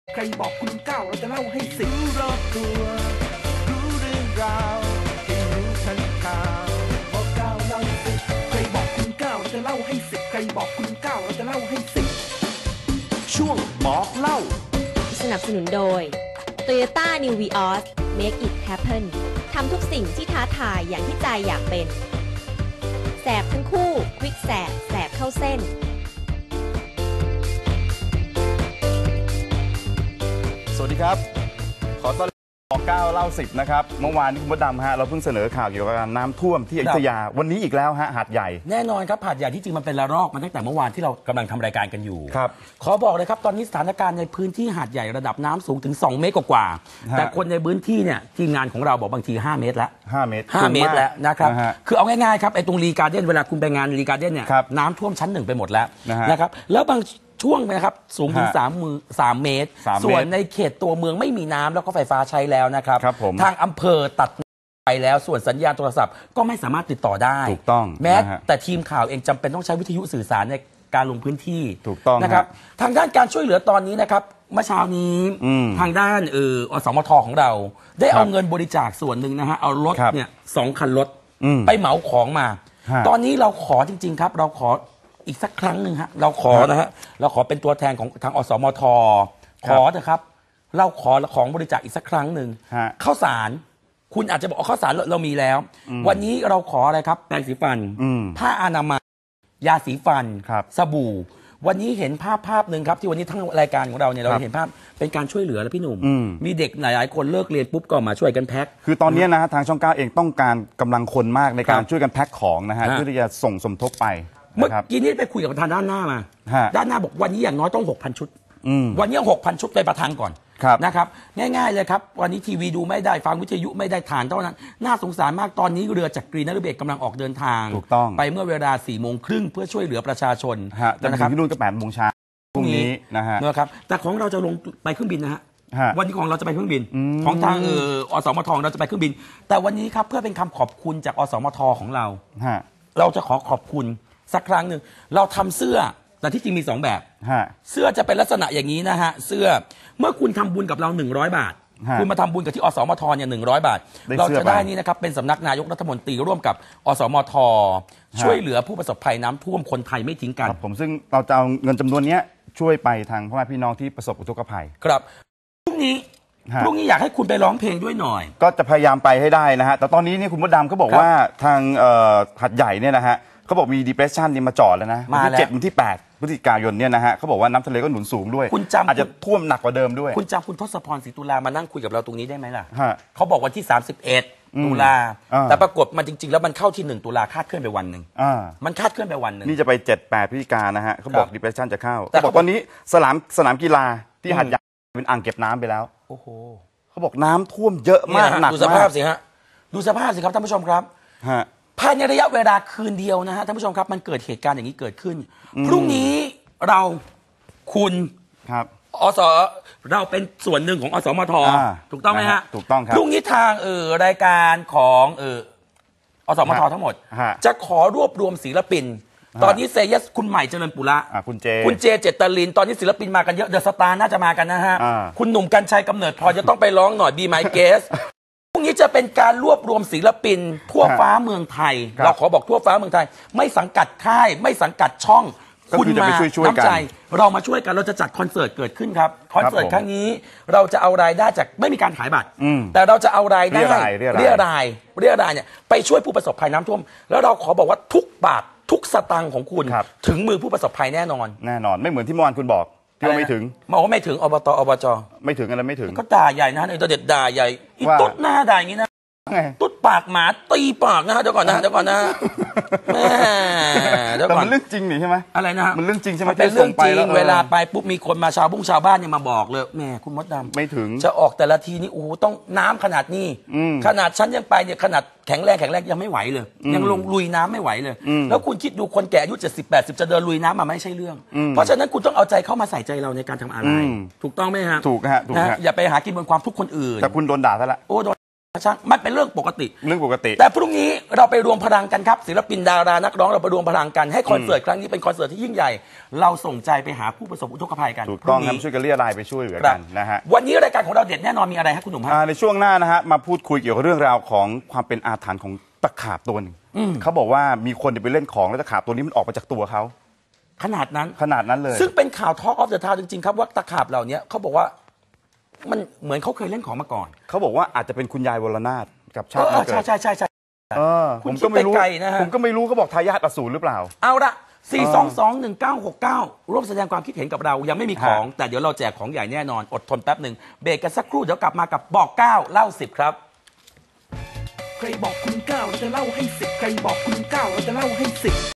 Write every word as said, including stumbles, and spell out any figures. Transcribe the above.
ใครบอกคุณก้าวเราจะเล่าให้สิบรอบตัวรู้เรื่องราวให้รู้ทันข่าวบอกก้าวเล่าสิบใครบอกคุณก้าวเราจะเล่าให้สิบใครบอกคุณก้าวเราจะเล่าให้สิบช่วงบอกเล่าสนับสนุนโดย Toyota New Vios Make it happen ทำทุกสิ่งที่ท้าทายอย่างที่ใจอยากเป็นแสบทั้งคู่ควิกแสบแสบเข้าเส้นสวัสดีครับขอต้อนรับบอกเก้าเล่าสิบนะครับเมื่อวานนี้คุณมดดำฮะเราเพิ่งเสนอข่าวเกี่ยวกับน้ำท่วมที่อยุธยาวันนี้อีกแล้วฮะหาดใหญ่แน่นอนครับหาดใหญ่ที่จริงมันเป็นระลอกมาตั้งแต่เมื่อวานที่เรากำลังทำรายการกันอยู่ครับขอบอกเลยครับตอนนี้สถานการณ์ในพื้นที่หาดใหญ่ระดับน้ำสูงถึงสองเมตรกว่าแต่คนในพื้นที่เนี่ยทีมงานของเราบอกบางทีห้าเมตรแล้วห้าเมตรห้าเมตรแล้วนะครับคือเอาง่ายๆครับไอ้ตรงรีการ์เด้นเวลาคุณไปงานรีการ์เด้นเนี่ยน้ำท่วมชั้นหนึ่งไปหมดแล้วนะครับแล้วบางช่วงนะครับสูงถึงสามมือสามเมตรส่วนในเขตตัวเมืองไม่มีน้ำแล้วก็ไฟฟ้าใช้แล้วนะครับทางอำเภอตัดไปแล้วส่วนสัญญาณโทรศัพท์ก็ไม่สามารถติดต่อได้ถูกต้องแม้แต่ทีมข่าวเองจำเป็นต้องใช้วิทยุสื่อสารในการลงพื้นที่ถูกต้องนะครับทางด้านการช่วยเหลือตอนนี้นะครับเมื่อเช้านี้ทางด้านเอออสมทของเราได้เอาเงินบริจาคส่วนหนึ่งนะฮะเอารถเนี่ยสองคันรถไปเหมาของมาตอนนี้เราขอจริงๆครับเราขออีกสักครั้งหนึ่งฮะเราขอนะฮะเราขอเป็นตัวแทนของทางอสมทขอเถอะครับเราขอของบริจาคอีกสักครั้งหนึ่งข้าวสารคุณอาจจะบอกข้าวสารเรามีแล้ววันนี้เราขออะไรครับแปรงสีฟันผ้าอนามัยยาสีฟันสบู่วันนี้เห็นภาพภาพหนึ่งครับที่วันนี้ทั้งรายการของเราเนี่ยเราเห็นภาพเป็นการช่วยเหลือแล้วพี่หนุ่มมีเด็กหลายๆคนเลิกเรียนปุ๊บก็มาช่วยกันแพ็คคือตอนนี้นะฮะทางช่องเก้าเองต้องการกำลังคนมากในการช่วยกันแพ็คของนะฮะเพื่อที่จะส่งสมทบไปเมื่อกี้นี้ไปคุยกับประธานด้านหน้ามาด้านหน้าบอกวันนี้อย่างน้อยต้อง หกพัน ชุดวันนี้หกพันชุดไปประทานก่อนนะครับง่ายๆเลยครับวันนี้ทีวีดูไม่ได้ฟังวิทยุไม่ได้ฐานเท่านั้นน่าสงสารมากตอนนี้เรือจากกรีนฤเบศกำลังออกเดินทางถูกต้องไปเมื่อเวลาสี่โมงครึ่งเพื่อช่วยเหลือประชาชนนะครับที่นู่นก็แปดโมงเช้าพรุ่งนี้นะฮะนะครับแต่ของเราจะลงไปเครื่องบินนะฮะวันนี้ของเราจะไปเครื่องบินของทางเอออสมทเราจะไปเครื่องบินแต่วันนี้ครับเพื่อเป็นคำขอบคุณจากอสมทของเราเราจะขอขอบคุณสักครั้งหนึ่งเราทำเสื้อแต่ที่จริงมีสองแบบเสื้อจะเป็นลักษณะอย่างนี้นะฮะเสื้อเมื่อคุณทำบุญกับเราหนึ่งร้อยบาทคุณมาทำบุญกับที่อสมทเนี่ยหนึ่งร้อยบาทเราจะได้นี่นะครับเป็นสำนักนายกรัฐมนตรีร่วมกับอสมทช่วยเหลือผู้ประสบภัยน้ำท่วมคนไทยไม่ทิ้งกันผมซึ่งเราจะเอาเงินจำนวนนี้ช่วยไปทางพ่อแม่พี่น้องที่ประสบอุทกภัยครับพรุ่งนี้พรุ่งนี้อยากให้คุณไปร้องเพลงด้วยหน่อยก็จะพยายามไปให้ได้นะฮะแต่ตอนนี้นี่คุณมดดำเขาบอกว่าทางหัดใหญ่เนี่ยนะฮะเขาบอกมี depression นี่มาจอดแล้วนะวันที่เจ็ดวันที่แปดพฤศจิกายนเนี่ยนะฮะเขาบอกว่าน้ำทะเลก็หนุนสูงด้วยอาจจะท่วมหนักกว่าเดิมด้วยคุณจำคุณทศพรศรีตุลามานั่งคุยกับเราตรงนี้ได้ไหมล่ะเขาบอกวันที่สามสิบเอ็ดตุลาแต่ปรากฏมันจริงๆแล้วมันเข้าที่หนึ่งตุลาคาดเคลื่อนไปวันหนึ่งมันคาดเคลื่อนไปวันหนึ่งนี่จะไปเจ็ดแปดพฤศจิกายนนะฮะเขาบอก depression จะเข้าเขาบอกตอนนี้สนามสนามกีฬาที่หัดใหญ่เป็นอ่างเก็บน้ำไปแล้วโอ้โหเขาบอกน้ำท่วมเยอะมากหนักมากดูสภาพสิฮะดูสภาพสิครับท่านผู้ชมครับภายในระยะเวลาคืนเดียวนะฮะท่านผู้ชมครับมันเกิดเหตุการณ์อย่างนี้เกิดขึ้นพรุ่งนี้เราคุณครับอสเราเป็นส่วนหนึ่งของอสมทถูกต้องไหมฮะถูกต้องครับพรุ่งนี้ทางเออรายการของเอออสมททั้งหมดจะขอรวบรวมศิลปินตอนนี้เซยัสคุณใหม่เจริญปุระคุณเจคุณเจเจตลินตอนนี้ศิลปินมากันเยอะเดอะสตาร์น่าจะมากันนะฮะคุณหนุ่มกัญชัยกำเนิดพอจะต้องไปร้องหน่อยบีไมเกสพรุ่งนี้จะเป็นการรวบรวมศิลปินทั่วฟ้าเมืองไทยเราขอบอกทั่วฟ้าเมืองไทยไม่สังกัดค่ายไม่สังกัดช่องคุณมาน้ำใจเรามาช่วยกันเราจะจัดคอนเสิร์ตเกิดขึ้นครับคอนเสิร์ตครั้งนี้เราจะเอารายได้จากไม่มีการขายบัตรแต่เราจะเอารายได้เรียรายเรียรายเนี่ยไปช่วยผู้ประสบภัยน้ำท่วมแล้วเราขอบอกว่าทุกบาททุกสตางค์ของคุณถึงมือผู้ประสบภัยแน่นอนแน่นอนไม่เหมือนที่เมื่อวานคุณบอกที่ว่าไม่ถึงบอกว่าไม่ถึงอบตอบจไม่ถึงอะไรไม่ถึงก็ด่าใหญ่นะไอ้ตัวเด็ดด่าใหญ่อีตุ๊ดหน้าด่าอย่างนี้นะตุ๊ดปากหมาตีปากนะฮะเดี๋ยวก่อนนะเดี๋ยวก่อนนะแม่แต่มันเรื่องจริงนี่ใช่ไหมอะไรนะมันเรื่องจริงใช่ไหมเป็นเรื่องจริงเวลาไปปุ๊บมีคนมาชาวบุ้งชาวบ้านเนี่ยมาบอกเลยแม่คุณมดดำไม่ถึงจะออกแต่ละทีนี่โอ้ต้องน้ำขนาดนี้ขนาดฉันยังไปเนี่ยขนาดแข็งแรงแข็งแรงยังไม่ไหวเลยยังลงลุยน้ำไม่ไหวเลยแล้วคุณคิดดูคนแก่อายุเจ็ดสิบแปดสิบจะเดินลุยน้ำมาไม่ใช่เรื่องเพราะฉะนั้นคุณต้องเอาใจเข้ามาใส่ใจเราในการทำอะไรถูกต้องไหมฮะถูกฮะถูกฮะอย่าไปหากินบนความทุกข์คนอื่นแต่คุณโดนด่าซะละโอ้โดนช่างมันเป็นเรื่องปกติเรื่องปกติแต่พรุ่งนี้เราไปรวมพลังกันครับศิลปินดารานักร้องเราไปรวมพลังกันให้คอนเสิร์ตครั้งนี้เป็นคอนเสิร์ตที่ยิ่งใหญ่เราส่งใจไปหาผู้ประสบอุทกภัยกันถูกต้องครับช่วยกันเรียรายไปช่วยเหลือกันนะฮะวันนี้รายการของเราเด็ดแน่นอนมีอะไรครับคุณหนุ่มฮะในช่วงหน้านะฮะมาพูดคุยเกี่ยวกับเรื่องราวของความเป็นอาถรรพ์ของตะขาบตัวนึงเขาบอกว่ามีคนไปเล่นของแล้วตะขาบตัวนี้มันออกมาจากตัวเขาขนาดนั้นขนาดนั้นเลยซึ่งเป็นข่าว Talk of the Town จริงๆครับว่าตะขาบเหล่านี้เขาบอกว่ามันเหมือนเขาเคยเล่นของมาก่อนเขาบอกว่าอาจจะเป็นคุณยายวรนาถกับชาติมาเกิดใช่ใช่ใช่ใช่ผมก็ไม่รู้ผมก็ไม่รู้เขาบอกทายาทอสูรหรือเปล่าเอาละสี่ สอง สอง หนึ่ง เก้า หก เก้าร่วมแสดงความคิดเห็นกับเรายังไม่มีของแต่เดี๋ยวเราแจกของใหญ่แน่นอนอดทนแป๊บหนึ่งเบรกกันสักครู่เดี๋ยวกลับมากับบอกเก้าเล่าสิบครับใครบอกคุณเก้าเราจะเล่าให้สิบใครบอกคุณเก้าเราจะเล่าให้สิบ